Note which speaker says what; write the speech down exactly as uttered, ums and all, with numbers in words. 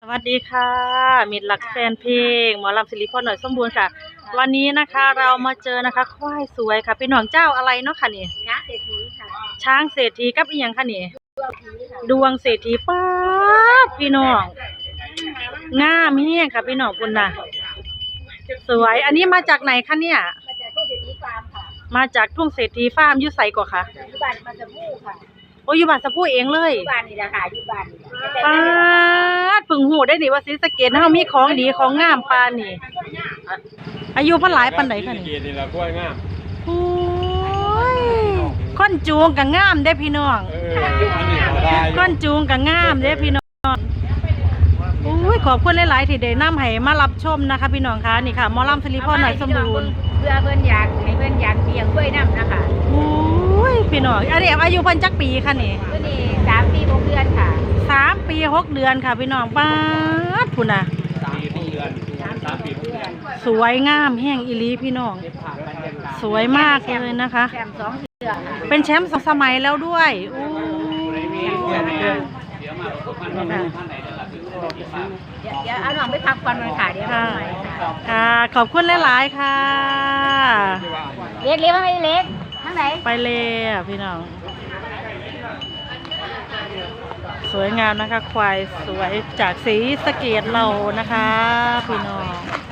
Speaker 1: สวัสดีค่ะมิตรรักแฟนเพลงหมอลำศิริพรหน่อยสมบูรณ์ค่ะวันนี้นะคะเรามาเจอนะคะควายสวยค่ะเป็นหนองเจ้าอะไรเนาะค่ะนี่
Speaker 2: ช้างเศรษฐีค่ะ
Speaker 1: ช้างเศรษฐีกับอีหยังค่ะนี่ดวงเศรษฐีป้าบพี่น้องงามเฮี้ยงค่ะพี่น้องคุณน่ะสวยอันนี้มาจากไหนคะเนี่ย
Speaker 2: มาจากทุ่งเศรษฐีฟาร์มค่ะ
Speaker 1: มาจากทุ่งเศรษฐีฟาร์มอยู่ไสก่อค่ะ
Speaker 2: อยู่บ้านมาสมูค่ะ
Speaker 1: โอ้อยู่บ้านสะพูเองเลย
Speaker 2: อยู่บ้านนี่แหละค่ะอยู่บ้านนี่
Speaker 1: ป้าดพึ่งหูได้นี่ว่าศรีสะเกษเฮามีของดีของงามปานนี่อายุเพิ่นหลายปานใดคะนี่
Speaker 3: นี่ละกล้วยงาม
Speaker 1: โอ้ยค้นจูงก็งามเด้พี่น้องค้นจูงก็งามเด้พี่น้องโอ้ยขอบคุณหลายๆที่ได้นำให้มารับชมนะคะพี่น้องคะนี่ค่ะหมอลำศิริพรหน่อยสมบูรณ์
Speaker 2: เพื่อเพิ่นอยากให้เพิ่นอยากเลี้ยงกล้วยน้ำนะคะ
Speaker 1: โอ้ยพี่น้องอันนี้อายุเพิ่นจักปีค่ะนี่
Speaker 2: ตัวนี้สามปีหกเดือนค่ะ
Speaker 1: สามปีหกเดือนค่ะพี่น้องป้าดพุ่นน่ะ
Speaker 3: สามปีเดือนสามปีหกเดือน
Speaker 1: สวยงามแห้งอีหลีพี่น้องสวยมากเลยนะคะ
Speaker 2: แชมป์สองเดือนค่ะ
Speaker 1: เป็นแชมป์สองสมัยแล้วด้วยโอ้
Speaker 2: เดี๋ยวเดี๋ยวเอาหน่องไปพักผ่อนมันค่ะเดี๋ยวมาใหม่ค่ะ
Speaker 1: ค่ะขอบคุณหลายๆค่ะ
Speaker 2: เล็กเล็กไม่เล็กทั้งไหน
Speaker 1: ไปเลยอ่ะพี่น้องสวยงามนะคะควายสวยจากศรีสะเกษเรานะคะพี่น้อง